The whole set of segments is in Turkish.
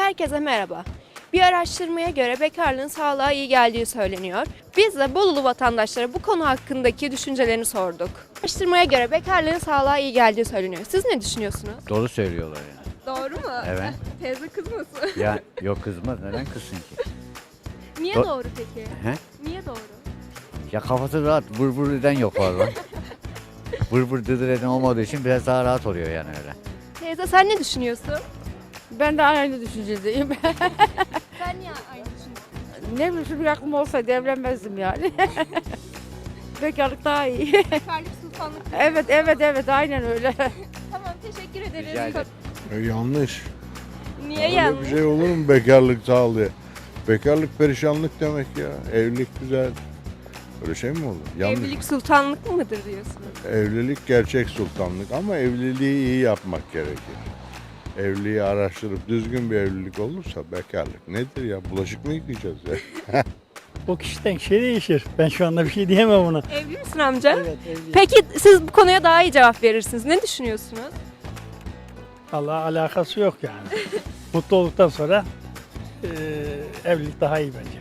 Herkese merhaba. Bir araştırmaya göre bekarlığın sağlığa iyi geldiği söyleniyor. Biz de Bolulu vatandaşlara bu konu hakkındaki düşüncelerini sorduk. Araştırmaya göre bekarlığın sağlığa iyi geldiği söyleniyor. Siz ne düşünüyorsunuz? Doğru söylüyorlar yani. Doğru mu? Evet. Teyze kızmasın. Ya yok kızmaz, neden kızsın ki? Niye Do- doğru peki? He? Niye doğru? Ya kafası rahat, vır vır eden yok var. Vır vır dıdır eden olmadığı için biraz daha rahat oluyor yani öyle. Teyze sen ne düşünüyorsun? Ben de aynı düşüncedeyim. Sen niye aynı düşünüyorsun? Ne bileyim bir aklım olsaydı evlenmezdim yani. Bekarlık daha iyi. Bekarlık sultanlık. Evet aynen öyle. Tamam, teşekkür ederiz. Rica ederim. Yanlış. Niye Öyle yanlış? bir şey olur mu bekarlık sağlıyor? Bekarlık perişanlık demek ya. Evlilik güzel. Öyle şey mi olur? Yanlış. Evlilik sultanlık mıdır diyorsunuz? Evlilik gerçek sultanlık ama evliliği iyi yapmak gerekir. Evliliği araştırıp düzgün bir evlilik olursa bekarlık nedir ya? Bulaşık mı yıkayacağız ya? O kişiden kişiye değişir. Ben şu anda bir şey diyemem ona. Evli misin amca? Evet, evliyim. Peki siz bu konuya daha iyi cevap verirsiniz. Ne düşünüyorsunuz? Allah alakası yok yani. Mutlu olduktan sonra evlilik daha iyi bence.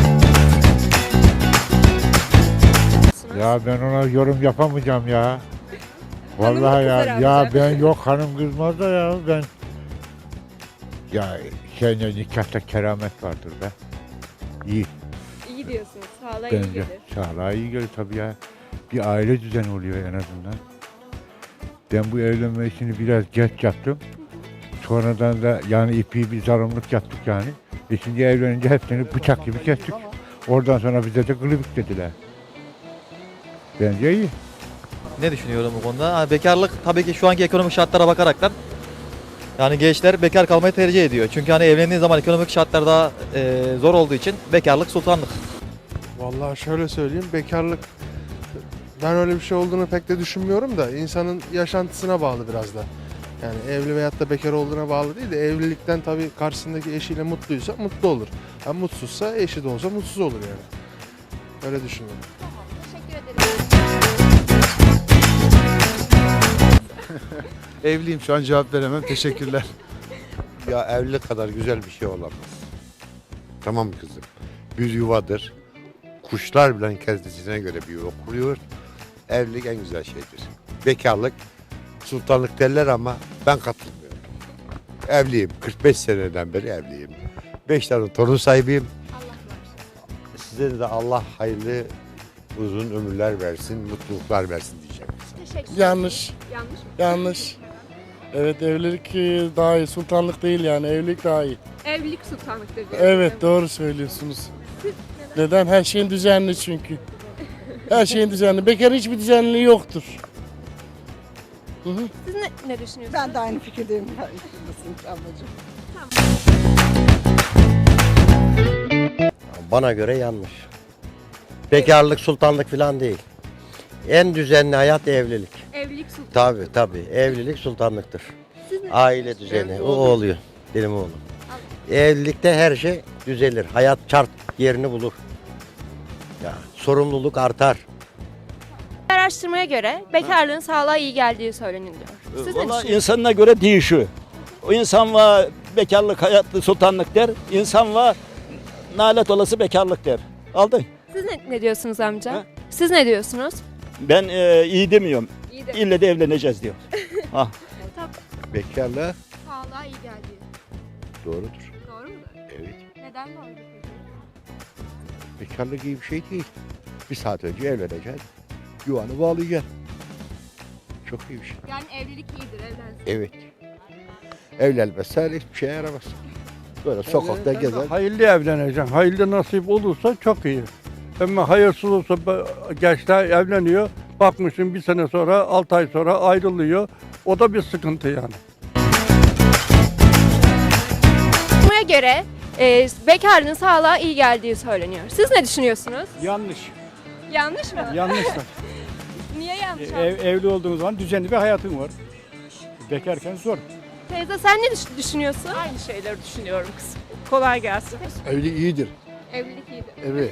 Ya ben ona yorum yapamayacağım ya. Hanım Vallahi mı ya. kızar Ya amca? ben yok hanım kızmaz da ya ben. Ya nikahta keramet vardır be. İyi İyi diyorsunuz. Sağlığa iyi bence. gelir. Sağlığa iyi gelir tabii ya. Bir aile düzeni oluyor en azından. Ben bu evlenme işini biraz geç yaptım. Sonradan da yani ipi bir zarımlık yaptık yani. Şimdi evlenince hepsini bıçak gibi kestik. Oradan sonra bize de gılıbık dediler. Bence iyi. Ne düşünüyorum bu konuda? Bekarlık tabii ki şu anki ekonomik şartlara bakaraktan yani gençler bekar kalmayı tercih ediyor. Çünkü hani evlendiği zaman ekonomik şartlar daha zor olduğu için bekarlık sultanlık. Vallahi şöyle söyleyeyim, bekarlık ben öyle bir şey olduğunu pek de düşünmüyorum da insanın yaşantısına bağlı biraz da. Yani evli veyahut da bekar olduğuna bağlı değil de evlilikten tabii karşısındaki eşiyle mutluysa mutlu olur. Ha mutsuzsa eşi de olsa mutsuz olur yani. Öyle düşünüyorum. Teşekkür ederim. Evliyim, şu an cevap veremem. Teşekkürler. Ya evlilik kadar güzel bir şey olamaz. Tamam kızım. Bir yuvadır. Kuşlar bile kendisine göre bir yuva kuruyor. Evlilik en güzel şeydir. Bekarlık, sultanlık derler ama ben katılmıyorum. Evliyim. 45 seneden beri evliyim. 5 tane torun sahibiyim. Size de Allah hayırlı uzun ömürler versin, mutluluklar versin diyeceğim. Teşekkür Yanlış, Yanlış mı? yanlış. Evet evlilik daha iyi, sultanlık değil yani evlilik daha iyi. Evlilik sultanlıktır diyorsunuz. Evet doğru söylüyorsunuz. Neden? Her şeyin düzenli çünkü. Her şeyin düzenli. Bekar hiçbir düzenliği yoktur. Hı hı. Siz ne düşünüyorsunuz? Ben de aynı fikirdeyim. Haklısın ablacığım. Bana göre yanlış. Bekarlık, sultanlık falan değil. En düzenli hayat evlilik. Evlilik sultanlık. Tabii. Evlilik sultanlıktır. Siz ne Aile düzeni. O oluyor. Benim oğlum. Evlilikte her şey düzelir. Hayat çark yerini bulur. Ya, sorumluluk artar. Araştırmaya göre bekarlığın sağlığa iyi geldiği söyleniyor. Siz ne Vallahi düşünüyorsunuz? insanına göre değişiyor. O insan var bekarlık, hayatlı sultanlık der. İnsan var nalet olası bekarlık der. Aldın. Siz ne diyorsunuz amca? Ha? Siz ne diyorsunuz? Ben iyi demiyorum. İyi de. İlle de evleneceğiz diyor. Bekarlığa Sağlığa iyi geldiği. doğrudur. Doğru mudur? Evet. Neden doğru peki? Bekarlık iyi bir şey değil. Bir saat önce evleneceksin. Yuvanı bağlayacaksın. Çok iyi bir şey. Yani evlilik iyidir, evlensin. Evet. Evlenmezsen hiçbir şeye yaramaz. Böyle sokakta gezer. Hayırlı evleneceğim. Hayırlı nasip olursa çok iyi. Ama hayırsız olsa gençler evleniyor. Bakmışsın bir sene sonra, 6 ay sonra ayrılıyor. O da bir sıkıntı yani. Buna göre bekarlığın sağlığa iyi geldiği söyleniyor. Siz ne düşünüyorsunuz? Yanlış. Yanlış mı? Yanlışlar. Niye yanlış? Evli olduğun zaman düzenli bir hayatın var. Bekarken zor. Teyze sen ne düşünüyorsun? Aynı şeyleri düşünüyorum kızım. Kolay gelsin. Evlilik iyidir. Evlilik iyidir. Evet.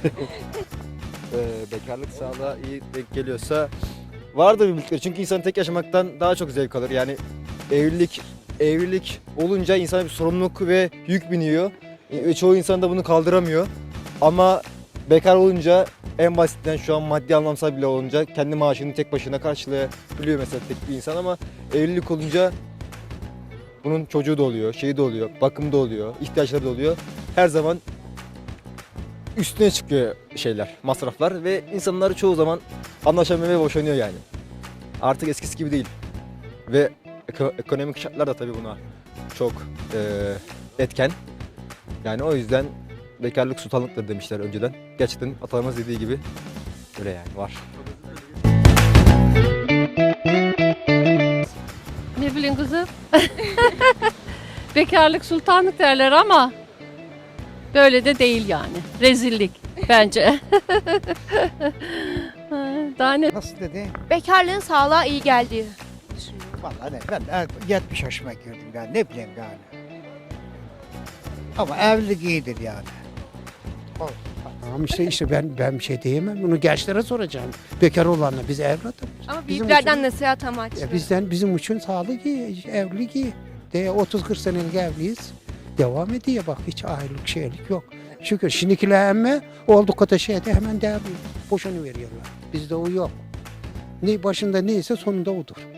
Bekarlık sağlığa iyi denk geliyorsa vardır bir miktar. Çünkü insan tek yaşamaktan daha çok zevk alır. Yani evlilik evlilik olunca insana bir sorumluluk ve yük biniyor. Ve çoğu insan da bunu kaldıramıyor. Ama bekar olunca en basitinden şu an maddi anlamsal bile olunca kendi maaşını tek başına karşılayabiliyor mesela tek bir insan ama evlilik olunca bunun çocuğu da oluyor, şeyi de oluyor, bakımı da oluyor, ihtiyaçları da oluyor. Her zaman üstüne çıkıyor şeyler, masraflar ve insanlar çoğu zaman anlaşamıyor ve boşanıyor yani. Artık eskisi gibi değil. Ve ekonomik şartlar da tabii buna çok etken. Yani o yüzden bekarlık sultanlıktır demişler önceden. Gerçekten atalarımız dediği gibi öyle yani var. Ne bileyim kızım. Bekarlık sultanlık derler ama böyle de değil yani. Rezillik bence. Daha ne? Nasıl dedi? Bekarlığın sağlığa iyi geldiği düşünüyorum. Vallahi ne, ben 70 yaşıma girdim yani ne bileyim yani. Ama evlilik iyidir yani. Tamam işte ben bir şey diyemem. Bunu gençlere soracağım. Bekar olanlar biz evladım. Ama büyüklerden nasihat amaçlı. Bizim için sağlık iyi, evlilik iyi. 30-40 senelik evliyiz. Devam ediyor bak hiç ayrılık şeylik yok. Çünkü şimdikiler emme olduk kadar şeyde hemen devriyor. Boşanı veriyorlar. Bizde o yok. Ne başında neyse sonunda odur.